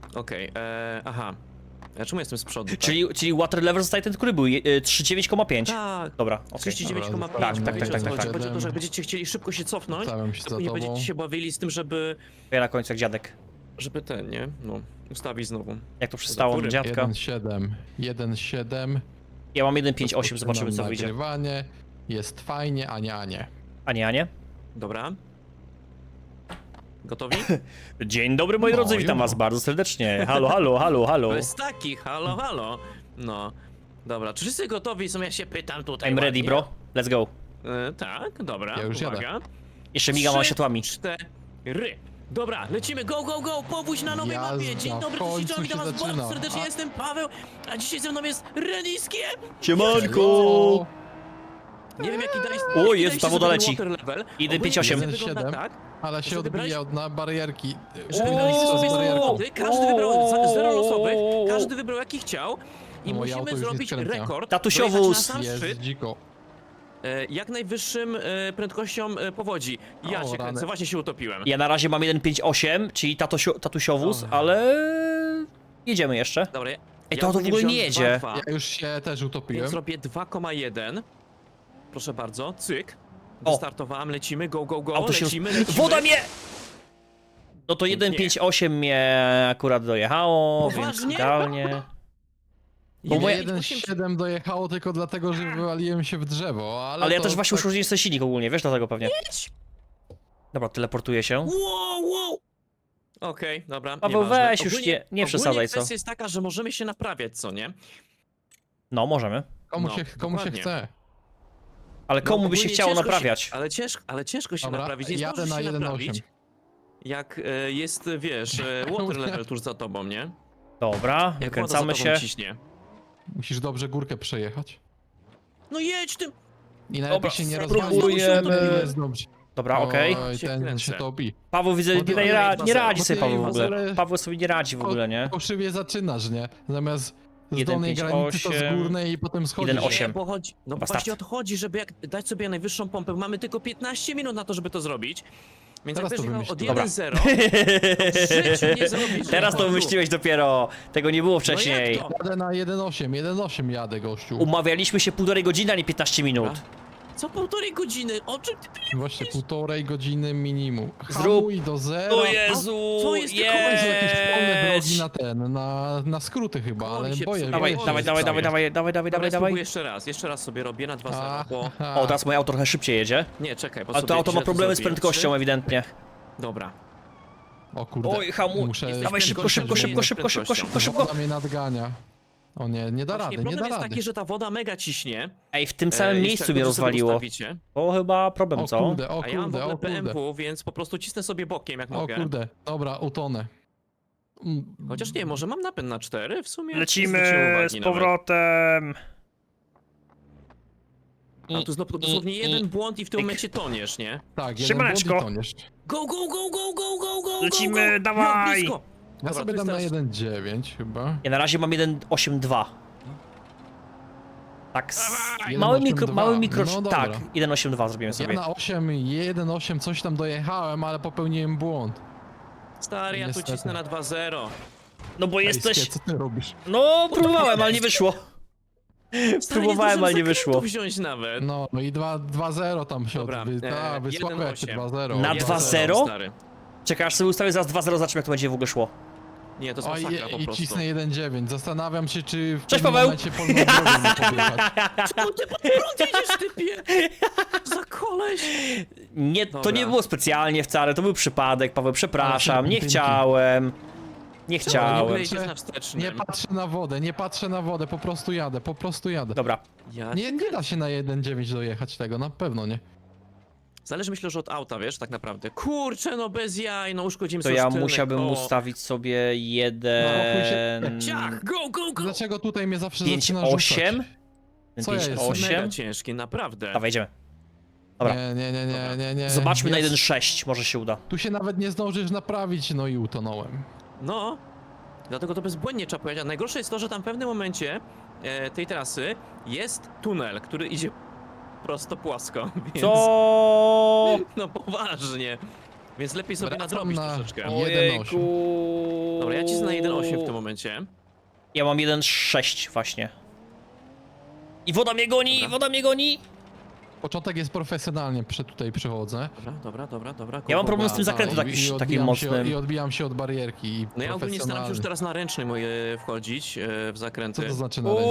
Okej, aha. Czemu jestem z przodu? Tak? Czyli water level zostaje ten, który był 39,5. Tak. Dobra, okej. 39,5. Tak. Chodzi o to, że jak będziecie chcieli szybko się cofnąć, Stawiam się za to nie tobą. będziecie się bawili z tym, żeby Ja na końcu jak dziadek. ten, nie? No, ustawić znowu. Jak to przystało góry. na dziadka. 1,7. 1,7. Ja mam 1,58, zobaczymy co Rozpoczynam wyjdzie. nagrywanie. Jest fajnie, a nie, a nie. A nie? Dobra. Gotowi? Dzień dobry moi No, drodzy, witam już. was bardzo serdecznie. Halo, halo, halo, halo. To jest taki, halo, halo. No. Dobra, czy wszyscy gotowi są? Ja się pytam tutaj. I'm ready ładnie. bro, let's go. Tak, dobra. Ja już uwaga. Jeszcze migam wam 3, światłami. 4. Dobra, lecimy, go, go, go, powódź na nowej Jazda, mapie. Dzień dobry, w końcu cześć, witam się was bardzo zaczyna. serdecznie, jestem Paweł, a dzisiaj ze mną jest Reniskie. Siemanko! Nie wiem jaki dajesz. O, jest, ta woda leci. 1,58. 1,7. Tak, Ale się Że wybrałeś- odbija od na barierki. że O, wybraliście sobie z barierką. samochody, każdy wybrał zero losowych, o, każdy wybrał jaki chciał i Moje auto musimy już nie zrobić skręca. rekord. Tatusiowóz. dojechać na sam Jest szczyt, dziko. jak najwyższym prędkością powodzi. Ja O, się rany. kręcę, właśnie się utopiłem. Ja na razie mam 1,58, czyli tatusiowóz, ale jedziemy jeszcze. Dobra, Ej, to w ogóle nie jedzie. Ja już się też utopiłem. Więc zrobię 2,1. Proszę bardzo, cyk. O. Wystartowałem, lecimy, go, go, go, Auto się lecimy. Woda mnie! No to 1,58 mnie akurat dojechało, więc Poważnie? idealnie. Bo moje- 1,7 dojechało tylko dlatego, że wywaliłem się w drzewo, ale Ale ja to też właśnie tak- uszkodziłem sobie silnik ogólnie, wiesz dlatego pewnie. Dobra, teleportuję się. Wow. Okej, dobra, Paweł, nieważne. weź już Ogólnie- nie przesadzaj, co? kwestia jest taka, że możemy się naprawiać, co nie? No, możemy. Komu No, się dokładnie. chce. Ale komu by się ogólnie chciało ciężko naprawiać? Ale ciężko się Dobra, naprawić, nie jadę zdążysz na się 1,8. naprawić. Jak jest, wiesz, water level tuż za tobą, nie? Dobra, Jak woda za wykręcamy tobą się. ciśnie. Musisz dobrze górkę przejechać. No jedź tym! I najlepiej Dobra, się nie spróbujemy. rozwalić. Jest dobrze. Dobra, okej. Oj, Się ten kręcę. się topi. Paweł widzę, Bo ty- nie radzi bo sobie ty Paweł w ogóle. ale- Paweł sobie nie radzi w ogóle, nie? Fałszywie zaczynasz, nie? Zamiast z 1,5,8. dolnej granicy to z górnej i potem schodzisz. 1,8. Nie, bo chodzi, no Dobra, właśnie o start. to chodzi, żeby dać sobie najwyższą pompę. Mamy tylko 15 minut na to, żeby to zrobić. Więc Teraz jak to będziesz miał od wymyśliłem. 1-0, to w życiu nie zrobisz. Teraz to rekordu. wymyśliłeś dopiero. Tego nie było No wcześniej. jak to? Jadę na 1,8 jadę, gościu. Umawialiśmy się 1,5 godziny, a nie 15 minut. Co półtorej godziny? O czym ty Właśnie 1,5 godziny minimum. Zrób- Hamuj do zera. O Jezu, co jest tylko- Są jakieś wolne drogi jedź! na na skróty chyba, Koło ale mi się boję psuje. Dawaj, boję się, dawaj, że dawaj, wstaję. dawaj, dawaj, dawaj, Dobra, dawaj, dawaj. spróbuję jeszcze raz sobie robię na 2-0, bo... Aha. O, teraz moje auto trochę szybciej jedzie. Nie, czekaj, bo Ale sobie to auto ma źle problemy z zrobiłem. prędkością ewidentnie. 3. Dobra. O kurde. Oj, hamuj. Muszę... Dawaj szybko, szybko, szybko, szybko, szybko, szybko, szybko. Woda mnie nadgania. O nie da Właśnie rady, nie problem da jest rady. taki, że ta woda mega ciśnie. Ej, w tym samym miejscu jeszcze mnie jak dobrze sobie rozwaliło. ustawicie. To chyba problem, O co? kurde, o A ja mam w kurde, ogóle o kurde. BMW, więc po prostu cisnę sobie bokiem, jak O mogę. kurde, dobra, utonę. Chociaż nie, może mam napęd na 4 w sumie? Lecimy Nie zwróciłem uwagi z nawet. powrotem. A tu dosłownie jeden błąd i w tym momencie toniesz, nie? Tak, jeden Siemaneczko. błąd i toniesz. Go, go, go, go, go, go, go, Lecimy, go, go. dawaj. No, blisko. Ja Dobra, sobie to dam na jest 1,9 chyba. Ja na razie mam 1,82. Tak, Dawaj. mały 1,82. mikro, No dobra. tak, 1,82 zrobimy Ja sobie. na 1,8 coś tam dojechałem, ale popełniłem błąd. Stary, ja tu Niestety. cisnę na 2-0. No bo jesteś... Ejskie, co ty robisz? No, próbowałem, ale nie wyszło. Stary, Próbowałem, nie ale nie zdążyłem wyszło. zakrętu wziąć nawet. No i 2-0 tam się Dobra, wysłałem jak 1,8. 2-0. Na 1-0, 2-0? stary. Czekaj, aż sobie ustawię zaraz 2-0, zobaczymy jak to będzie w ogóle szło. Nie, to jest Oj, masakra po i prostu. cisnę 1,9. Zastanawiam się, czy w Cześć, pewnym Paweł. momencie polną drogą nie podjechać. Czemu ty pod prąd jedziesz, typie? Za koleś. Nie, to Dobra. nie było specjalnie wcale, to był przypadek, Paweł, przepraszam, nie dzięki. chciałem. Nie Nie chciałem. jedziesz na wstecznym. Nie patrzę na wodę, nie patrzę na wodę, po prostu jadę, po prostu jadę. Dobra, Ja... Nie da się na 1,9 dojechać tego, na pewno nie. Zależy myślę, że od auta, wiesz, tak naprawdę. Kurczę, no bez jaj, no uszkodzimy to sobie ja tylne musiałbym koło. ustawić sobie Ciach, go, go, go! Dlaczego tutaj mnie zawsze 5, zaczyna 8. rzucać? Co ja jestem? 8. Mega ciężki, naprawdę. Dawaj, idziemy. Dobra. Nie. Zobaczmy na Jest. 1.6, może się uda. Tu się nawet nie zdążysz naprawić, no i utonąłem. No, dlatego to bezbłędnie trzeba powiedzieć. A najgorsze jest to, że tam w pewnym momencie tej trasy jest tunel, który idzie prosto płasko, więc... Co? No poważnie. Więc lepiej sobie Wracam nadrobić na- troszeczkę. O, 1,8. Ojejku. Dobra, ja cisnę 1,8 w tym momencie. Ja mam 1,6 właśnie. I woda mnie goni, Dobra. woda mnie goni! Początek jest profesjonalnie, tutaj przychodzę. Dobra. Ja mam problem z tym Dobra, zakrętem i takim odbijam mocnym. I odbijam się od barierki i No ja ogólnie staram się już profesjonalnie. teraz na ręczny moje wchodzić w zakręty. Co to znaczy na ręcznym?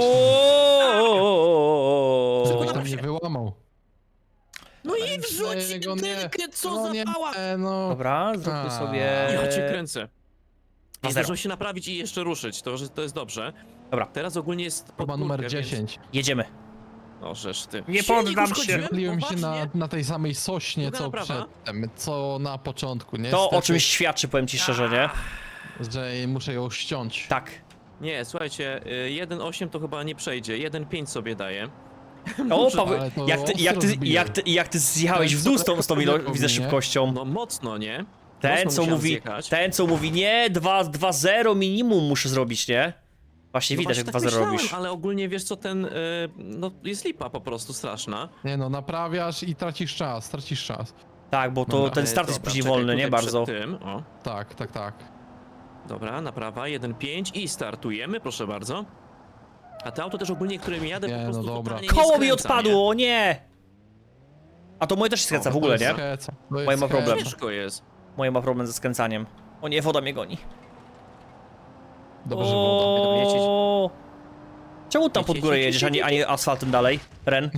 Oooo. Żebyś tam nie wyłamał. No i wrzuć Jego nie. tynkę, co No za nie, pała! no. Dobra, zróbmy A. sobie... Ja cię kręcę. I 2-0. zdążył się naprawić i jeszcze ruszyć, to jest dobrze. Dobra. Teraz ogólnie jest Próba numer podwórkę, 10. Jedziemy. Więc... O, żeż ty. Nie Silnik poddam się. uszkodziłem? Myliłem się Poważnie? na tej samej sośnie, Druga co naprawa? przedtem, co na początku, nie? To o czymś świadczy, powiem ci szczerze, nie? Że muszę ją ściąć. Tak. Nie, słuchajcie, 1,8 to chyba nie przejdzie, 1,5 sobie daję. O, Paweł, ale to jak ty zjechałeś w dół z tą widzę, szybkością. No mocno, nie? Ten Mocno co, musiałem mówi, zjechać. ten, co mówi, nie, 2-0 minimum muszę zrobić, nie? Właśnie No widać, jak właśnie 2-0 myślałem, robisz. ale ogólnie wiesz co, no jest lipa po prostu straszna. Nie no, naprawiasz i tracisz czas. Tak, bo to Dobra. ten start jest Dobra, później czekaj, wolny, nie tutaj przed bardzo. Tym. O, Tak. dobra, naprawa, 1,5 i startujemy, proszę bardzo. A to auto też ogólnie, którym jadę, Nie, po no prostu dobra. totalnie nie Koło mi skręca, odpadło, o nie! A to moje też się skręca w ogóle, nie? Moje ma problem. Nie? Ciężko jest. Moje ma problem ze skręcaniem. O nie, woda mnie goni. Dobrze, że woda. O. Czemu tam pod górę Jedź, jedziesz, jedź, jedź, a nie asfaltem dalej? Ren?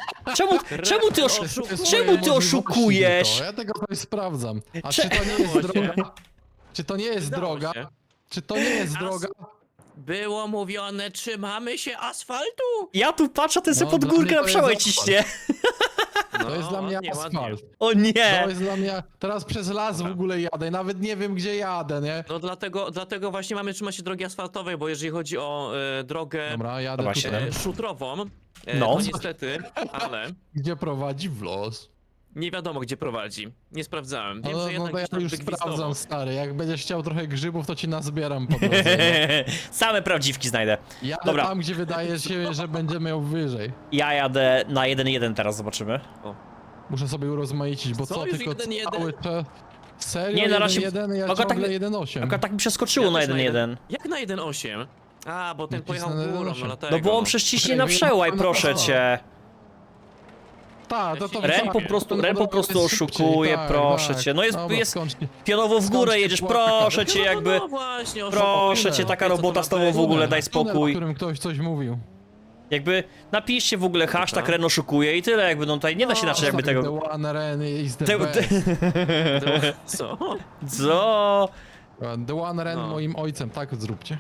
Czemu ty oszukujesz? Ja tego sobie sprawdzam. A Cze- czy to nie jest Udało się. droga? Czy to nie jest Udało droga? się. Czy to nie jest As- droga? Było mówione, trzymamy się asfaltu! Ja tu patrzę, ten sobie No, pod dla górkę mnie na to jest przełaj asfalt. ciśnie. To jest dla mnie ładnie, ładnie. asfalt. O nie! To jest dla mnie... Teraz przez las w ogóle jadę, nawet nie wiem gdzie jadę, nie? No dlatego właśnie mamy trzymać się drogi asfaltowej, bo jeżeli chodzi o drogę Dobra, jadę Dobra, tutaj. siedem. szutrową, No. to niestety, ale Gdzie prowadzi w los. nie wiadomo gdzie prowadzi. Nie sprawdzałem. Wiem, No, że no jednak to ja gdzieś tam już wygwizdowo. sprawdzam, stary. Jak będziesz chciał trochę grzybów, to ci nazbieram po drodze. No. Same prawdziwki znajdę. Jadę Dobra. tam, gdzie wydaje się, że będzie miał wyżej. Ja jadę na 1-1 teraz, zobaczymy. Muszę sobie urozmaicić, bo Co, co już tylko 1-1? cały czas... Serio? Nie, na razie- 1-1, ja Akurat tak ciągle mi- 1-8. Akurat tak mi przeskoczyło Ja na też 1-1. Jak na 1,8? A, bo ten Nacisnę pojechał na górą, 1,8. no dlatego. No bo on no. przecież ciśnie Ej, na no ja przełaj, mam proszę na to. cię. Tak, to Ren po prostu, Ren po prostu oszukuje, proszę cię. No jest pionowo w Skąd górę ci jedziesz, płaka? proszę cię, No, jakby... no właśnie, Proszę cię, taka robota z tobą w ogóle, daj O spokój. którym ktoś coś mówił. Jakby napiszcie w ogóle hashtag Dobra. Ren oszukuje i tyle, jakby no tutaj nie da się inaczej jakby tego... The one Ren is the Te- best. Co? Co? The one Ren No. moim ojcem, tak zróbcie.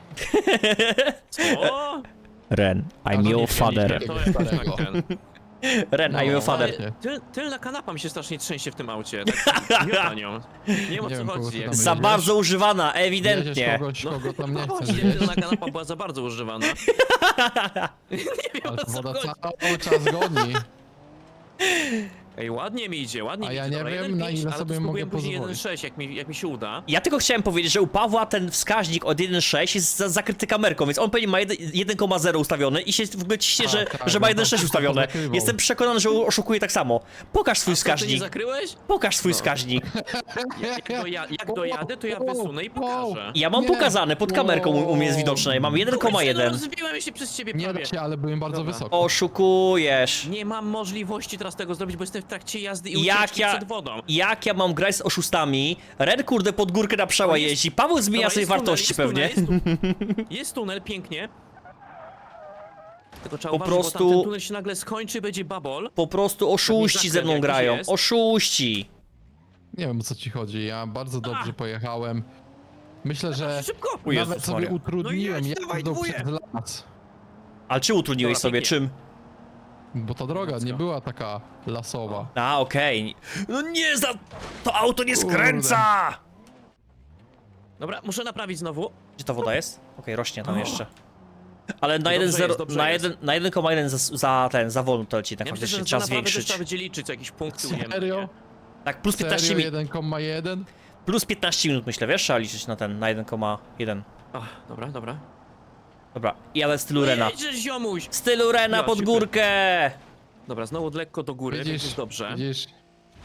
Co? Ren, I'm nie your chcieliście father. tego To jest starego. tak ten. Ren, I'm your No, father. ale- Tylna kanapa mi się strasznie trzęsie w tym aucie. Tak, miota nią. Nie wiem o Nie co wiem, kogo chodzi. ty jak- tam Za jedziesz? bardzo używana, Jedziesz ewidentnie. kogoś, kogo tam nie No chcesz. właśnie, wiesz? tylna kanapa była za bardzo używana. Nie wiem Ale o co woda chodzi. cały czas goni. Ej, ładnie mi idzie, ładnie A mi ja idzie. nie Dobra, wiem, na 1,5, ile ale sobie to spróbuję mogę później pozwolić. 1,6, jak mi się uda. Ja tylko chciałem powiedzieć, że u Pawła ten wskaźnik od 1.6 jest zakryty kamerką, więc on pewnie ma 1,0 ustawiony i się w ogóle ciśnie, Tak, że, tak, że ma no to 1.6 wszystko ustawione. zakrywał. Jestem przekonany, że oszukuje tak samo. Pokaż swój A co, ty nie wskaźnik. zakryłeś? Pokaż swój No. wskaźnik. Jak dojadę, to ja wysunę i pokażę. Ja mam Nie. pokazane, pod kamerką u mnie jest widoczne. Mam Kurczę, no 1,1. rozbiłem się przez ciebie Nie prawie. da się, ale byłem bardzo Dobra. wysoko. Oszukujesz. Nie mam możliwości teraz tego zrobić, bo jestem w trakcie jazdy i Jak ucieczki ja- przed wodą. Jak ja mam grać z oszustami? Ren kurde pod górkę na przełaj jest- jeździ. Paweł zmienia Dobra, sobie jest tunel, wartości jest pewnie. tunel, jest tunel, pięknie. Tylko trzeba Po uważać, bo prostu- tamten tunel się nagle skończy i będzie babol. Po prostu oszuści ze mną jakiś grają. jest. Oszuści. Nie wiem o co ci chodzi, ja bardzo dobrze pojechałem. Myślę, że Szybko! O Jezus nawet sobie Maria. utrudniłem No jedź, dawaj, jazdę dwóje. przez las. Ale czy utrudniłeś Dobra, sobie pięknie. czym? Bo ta droga nie Let's go. była taka lasowa. A, okej. No nie za... To auto nie Kurde. skręca! Dobra, muszę naprawić znowu. Gdzie ta woda jest? Okej, rośnie tam jeszcze. Ale na Dobrze 1,0, jest, dobrze na jest. 1,1 za wolno to leci, tak Ja myślę, faktycznie że trzeba za naprawdę też zwiększyć. trzeba będzie liczyć jakieś punkty ujemne. Serio? nie? Tak, plus 15 Serio minut. 1,1? Plus 15 minut myślę, wiesz? Trzeba liczyć na ten, na 1,1. Ach, dobra. Dobra, i ale w stylu Rena. Jedziesz, ziomuś! W stylu Rena Ja pod się górkę! Dobra, znowu lekko do góry, więc jest dobrze. Widzisz?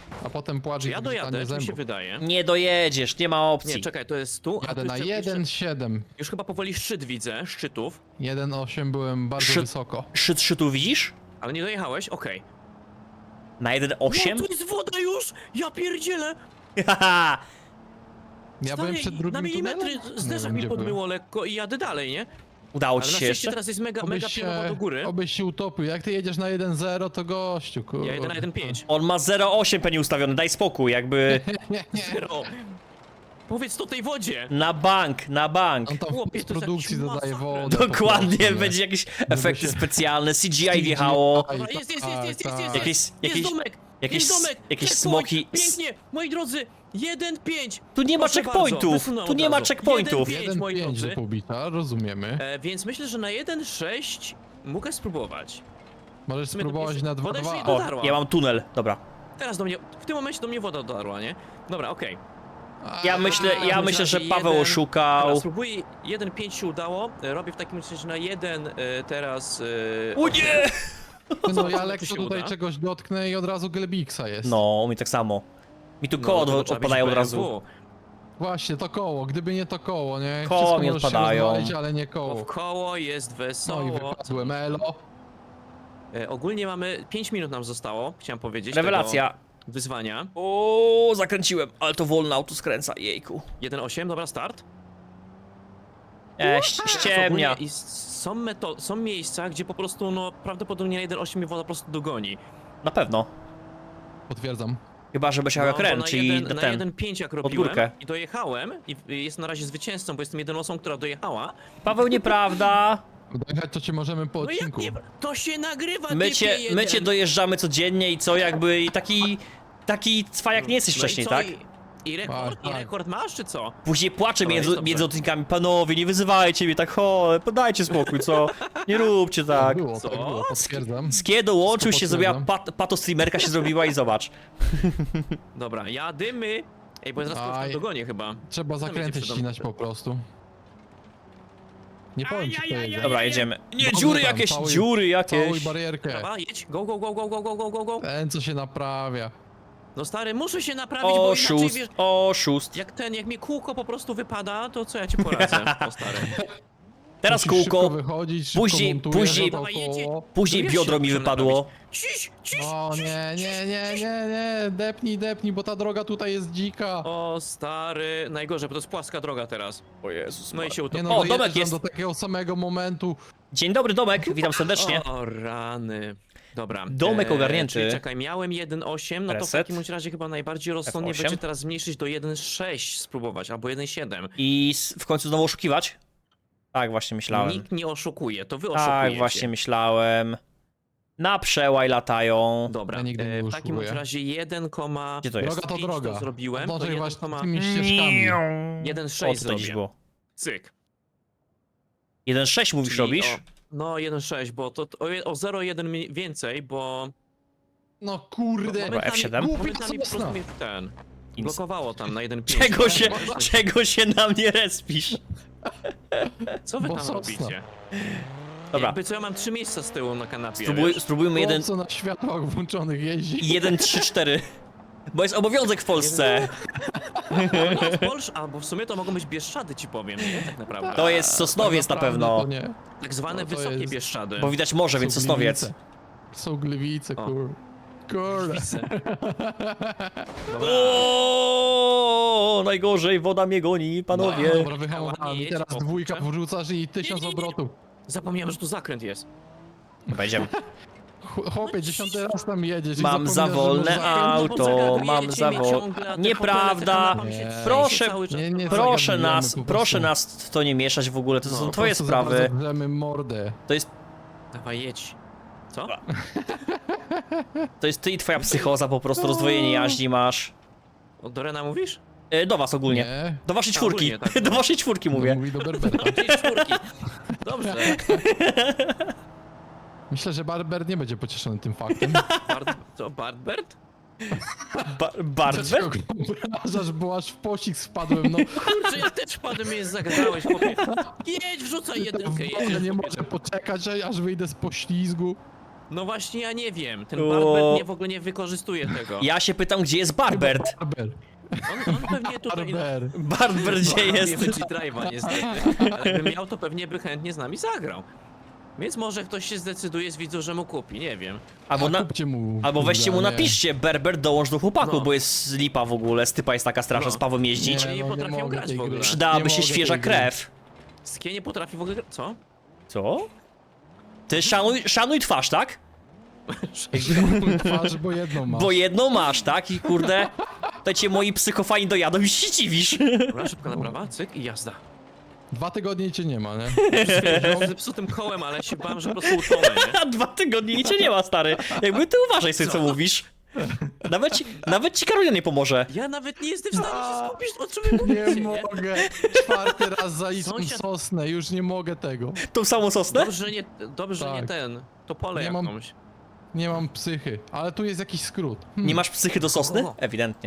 A potem płacz Czy i ja wyrzutanie dojadę, czy mi się zębów. wydaje? Nie dojedziesz, nie ma opcji. Nie, czekaj, to jest tu, a Jadę tu na jeszcze- 1,7. Już chyba powoli szczyt widzę, szczytów, 1,8 byłem bardzo Szczyt- wysoko. Szczytu widzisz? ale nie dojechałeś? Okej. Na 1,8? No, to jest woda już! Ja pierdzielę! Haha! Ja byłem Stary, przed drugim na milimetry tunelem? zderzak Nie wiem, mi gdzie byłem. podmyło lekko i jadę dalej, nie? Udało Ale ci na się szczęście jeszcze? teraz jest mega pionowo do góry. Obyś się utopił. Jak ty jedziesz na 1,0, to gościu, kurwa. Ja jedę na 1.5. On ma 0,8 penny ustawiony, daj spokój, jakby Zero. Powiedz to tej wodzie! na bank, na bank. On tam Chłopie, w to jest produkcji jakiś dodaje masakra. wodę. po Dokładnie, prostu, nie? będzie jakieś efekty się- specjalne, CGI wjechało. Dobra, jest, Jakieś- jest domek! jakieś- jest domek! jakieś Checkpoint! smoki- Pięknie! Moi drodzy, 1.5! Tu nie ma Proszę checkpointów, bardzo, wysunąłem tu nie od ma razu. checkpointów. 1.5, moi 1,5 drodzy. do pobicia, rozumiemy. Więc myślę, że na 1.6 mogę spróbować. Możesz sumie to spróbować jest- na woda już 2,2. nie O, dotarła. ja mam tunel, dobra. Teraz do mnie, w tym momencie do mnie woda dotarła, nie? Dobra, okej. Ja myślę, że Paweł Dobra, oszukał. spróbuję, 1.5 się udało, robię w takim razie na 1 teraz... O nie! No ja Zobaczymy, lekko czy się tutaj uda. czegoś dotknę i od razu Glebiksa jest. No, mi tak samo. Mi tu koło to trzeba odpadają mieć od razu. BMW. Właśnie, to koło. Gdyby nie to koło, nie? Koło Wszystko mi możesz się odpadają. rozwalić, ale nie Bo w koło. koło jest No i wesoło. wypadłem, elo. Ogólnie mamy 5 minut nam zostało, chciałem powiedzieć. Rewelacja. Tego wyzwania. O, zakręciłem, ale to wolno auto skręca, jejku. 1.8, dobra, start. Ściemnia. Ogólnie i są miejsca, gdzie po prostu, no, prawdopodobnie na 1.8 mnie woda po prostu dogoni. Na pewno. Potwierdzam. Chyba, że byś miał jak bo Ren, na czyli na ten. 1.5 jak pod robiłem górkę. i dojechałem i jest na razie zwycięzcą, bo jestem jedyną osobą, która dojechała. Paweł, nieprawda. Dojechać to cię możemy po No jak odcinku. nie, to się nagrywa, My typie cię jeden. dojeżdżamy codziennie i co, jakby i taki cwajak nie jesteś No i wcześniej, co, tak? I rekord, Tak, tak. rekord masz, czy co? Później płaczę No, jest dobrze. między odcinkami, panowie, nie wyzywajcie mnie tak, podajcie spokój, co? Nie róbcie tak. Było, Co? tak było, potwierdzam. Skie dołączył się, Wszystko zrobiła potwierdzam. pato streamerka się zrobiła i zobacz. Dobra, jadymy. Ej, bo ja zaraz Aj. to dogonię chyba. Trzeba zakręty będzie przede ścinać mną. po prostu. Nie powiem ci, kto jedzie. Dobra, jedziemy. Nie, Dobrze dziury tam, jakieś, całuj- dziury Całuj jakieś. barierkę. Dobra, jedź, go, go, go, go, go, go, go, go, go. Ten, co się naprawia. No stary, muszę się naprawić, bo inaczej Oszust, wiesz... oszust. Jak mi kółko po prostu wypada, to co ja ci poradzę, o stary. Teraz Musisz szybko kółko, wychodzić, szybko później- montujesz, później- no to Dawaj, jedzie. koło. później No wiesz, biodro jak mi muszę wypadło. Ciś, ciś, O nie, depnij, bo ta droga tutaj jest dzika. O stary, najgorzej, bo to jest płaska droga teraz. O Jezus. No i się Nie utopi. no, O, dojeżdżam domek jest. do takiego samego momentu. Dzień dobry, Domek, witam serdecznie. O rany. Dobra. Domek ogarnięty. Czyli czekaj, miałem 1.8, no to w Reset. takim bądź razie chyba najbardziej rozsądnie F8. będzie teraz zmniejszyć do 1.6 spróbować, albo 1.7. I w końcu znowu oszukiwać? Tak, właśnie myślałem. Nikt nie oszukuje, to wy oszukujecie. Tak, właśnie myślałem. Na przełaj latają. Dobra, Ja nigdy nie w takim bądź oszukuję. razie 1, Gdzie to jest? Droga to 5 droga. to zrobiłem, to Dążaj właśnie 1, tymi ścieżkami. 1.6 O, tutaj gdzieś zrobię. było. Cyk. 1.6 mówisz, Czyli robisz? No 1.6, bo to o 0.1 więcej, bo... No kurde. Dobra, F7. Momentami po prostu mnie ten... Ins- Blokowało tam na 1.5. Czego się na mnie respisz? Co wy Bo tam sosna. robicie? Dobra, Jakby co, ja mam 3 miejsca z tyłu na kanapie, wiesz? spróbujmy Jeden... Co na światłach włączonych jeździ. 1, 3, 4. Bo jest obowiązek w Polsce. No, w Polsce, albo w sumie to mogą być Bieszczady, ci powiem, nie? Tak naprawdę. To jest Sosnowiec na Tak naprawdę pewno. to nie. Tak zwane No to wysokie jest- Bieszczady. Bo widać morze, więc Są Sosnowiec. Gliwice. Są Gliwice, O. Kurde. Widzę. Dobra. O, najgorzej, woda mnie goni, panowie. Dobra, Ładnie wyhamowałem. I jedź, teraz o, dwójka kurczę. wrzucasz i 1000 Nie, nie, nie. obrotów. Zapomniałem, że tu zakręt jest. Dobra, idziemy. Chłopie, 10 raz tam jedziesz i Mam za zapominasz, że wolne masz zakręt. auto, Zagadujecie mam mnie za ciągle, a te Nieprawda. hotele, te kanapa mi się Nie. trzęsie Proszę, cały czas. nie Proszę zagadujemy nas, po proszę prostu. nas w to nie mieszać w ogóle, to No, są po twoje Po prostu sprawy. za bardzo grzemy mordę. To jest, Dawaj, jedź. Co? to jest ty i twoja psychoza, po prostu rozdwojenie jaźni masz. O, do Rena mówisz? Do was ogólnie. Nie. Do waszej A, czwórki. ogólnie, tak, Do no. waszej czwórki No, mówię. mówi do Berbera. Czyli czwórki. Dobrze. Myślę, że Barber nie będzie pocieszony tym faktem. Co, Bartbert? Bardzo? Dlaczego go obrażasz, bo aż w pościg spadłem, no. Kurczę, ja też padłem, mnie zagadałeś, chłopie. Jedź, wrzucaj jedynkę, W ogóle jedź. nie chłopie. może poczekać, aż wyjdę z poślizgu. No właśnie, ja nie wiem. Ten O. Barber nie, w ogóle nie wykorzystuje tego. Ja się pytam, gdzie jest Barbert? Barber. On pewnie tutaj... Barber. Barbert gdzie Nie jest? wyczi drive'a niestety, ale gdyby miał, to pewnie by chętnie z nami zagrał. Więc może ktoś się zdecyduje z widzów, że mu kupi, nie wiem. Albo, na, Kupcie mu. albo weźcie mu kurde, napiszcie, Berbert dołącz do chłopaków, No. bo jest lipa w ogóle, stypa jest taka straszna, No. z Pawłem jeździć. Nie potrafią mogę grać tej w ogóle. gry. Przydałaby Nie się mogę świeża tej gry. krew. Skie nie potrafi w ogóle... Co? Co? Ty szanuj twarz, tak? Twarz, bo jedną masz. Bo jedną masz, tak? I kurde, to cię moi psychofani dojadą i się dziwisz. Dobra, szybka naprawa, cyk i jazda. 2 tygodnie i cię nie ma, nie? Z zepsutym kołem, ale się bałem, że po prostu utonę, nie? A 2 tygodnie i cię nie ma, stary. Jakby ty uważaj sobie, co mówisz. Nawet ci Karolina nie pomoże. Ja nawet nie jestem w stanie się skupić, o czym wy Nie mówicie, nie? mogę. 4. raz zalicam Sąsiad- sosnę, już nie mogę tego. Tą samą sosnę? Dobrze, nie Tak. ten, to pole Nie mam- jakąś. Nie mam psychy, ale tu jest jakiś skrót. Nie masz psychy do sosny? O. Ewidentnie.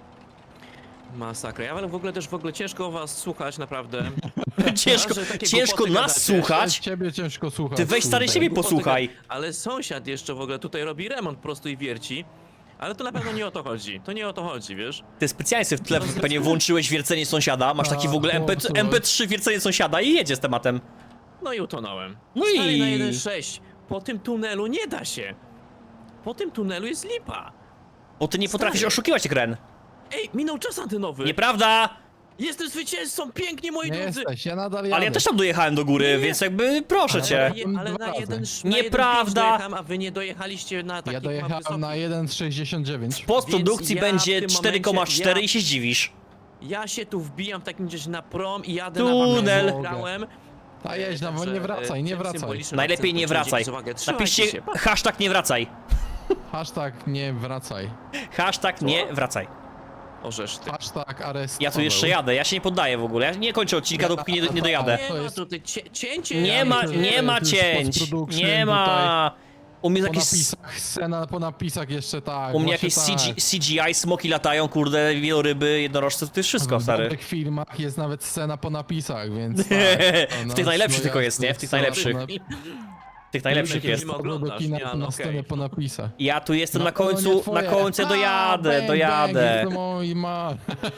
Masakra, ale w ogóle ciężko was słuchać, naprawdę. Ciężko, że takie ciężko głupoty nas gadacie. słuchać. Ciebie ciężko słuchać. Ty weź stary kurde. siebie Głupoty posłuchaj. Ale sąsiad jeszcze w ogóle tutaj robi remont po prostu i wierci. Ale to na pewno nie o to chodzi. To nie o to chodzi, wiesz? Ty specjalnie sobie w tle pewnie włączyłeś wiercenie sąsiada, masz taki w ogóle chłopcu. MP3 wiercenie sąsiada i jedzie z tematem. No i utonąłem. No Stary i- na 1.6. Po tym tunelu nie da się. Po tym tunelu jest lipa. Bo ty nie potrafisz Stary. oszukiwać, Ren. Ej, minął czas antynowy. Nieprawda! Jestem zwycięzcą, pięknie moi Nie drodzy. jesteś, ja nadal jadę. Ale ja też tam dojechałem do góry, Nie. więc jakby proszę Ale cię. ja- Ale Dwa na razy. jeden Nieprawda. dojechałem, a wy nie dojechaliście na taki Ja dojechałem na 1,69. W postprodukcji Więc ja będzie w tym 4,4 momencie- i się zdziwisz. Ja się tu wbijam w takim gdzieś na prom i jadę Tunel. na wam grałem. A jedź, no, nie wracaj, nie wracaj. Najlepiej nie wracaj. Napiszcie hashtag nie wracaj. Hashtag nie wracaj. Hashtag nie wracaj. Orzesz ty. Hashtag arest. Ja tu jeszcze jadę, ja się nie poddaję w ogóle. Ja nie kończę odcinka, dopóki nie dojadę. To Nie ma jest- tutaj cięcie. Nie ma, to jest- nie ma to jest cięć. post-production Nie ma. U mnie Po jakieś, napisach, scena po napisach jeszcze tak. u mnie właśnie jakieś tak. CGI, smoki latają, kurde, wieloryby, jednorożce, to jest wszystko, W stary. dobrych filmach jest nawet scena po napisach, więc tak. W tych najlepszych tylko jest, nie? W tych najlepszych. W tych najlepszych Jakie jest. filmy Do oglądasz? kina Nie, na no scenę okej. po napisach. Ja tu jestem na No, to nie końcu, na twoje. końcu A, dojadę, bang, dojadę. bang, mój ma.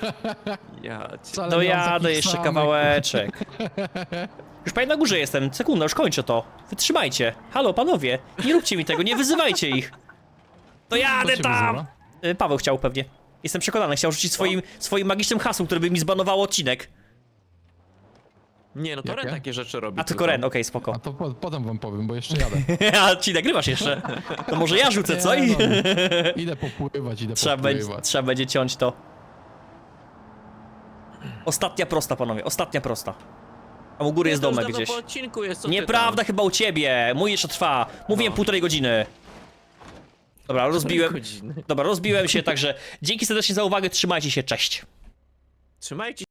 Ja cię... Wcale nie mam Dojadę takich jeszcze samych. kawałeczek. Już prawie na górze jestem, sekunda, już kończę to. Wytrzymajcie. Halo, panowie, nie róbcie mi tego, nie wyzywajcie ich. Dojadę Kto cię tam! wyzywa? Paweł chciał pewnie. Jestem przekonany, chciał rzucić swoim magicznym hasłem, które by mi zbanowało odcinek. Nie, no to Jakie? Ren takie rzeczy robi. A tylko Ren, okej, spoko. A to potem wam powiem, bo jeszcze jadę. A ci nagrywasz jeszcze? To może ja rzucę, co? Nie, no, idę popływać, Trzeba będzie ciąć to. Ostatnia prosta, panowie, ostatnia prosta. A u góry jest to już domek dawno gdzieś. po odcinku jest, co ty Nieprawda chyba u ciebie, mój jeszcze trwa. Mówiłem No. 1,5 godziny. Dobra, tam? rozbiłem. Godziny. Dobra, rozbiłem się, także dzięki serdecznie za uwagę, trzymajcie się, cześć. Trzymajcie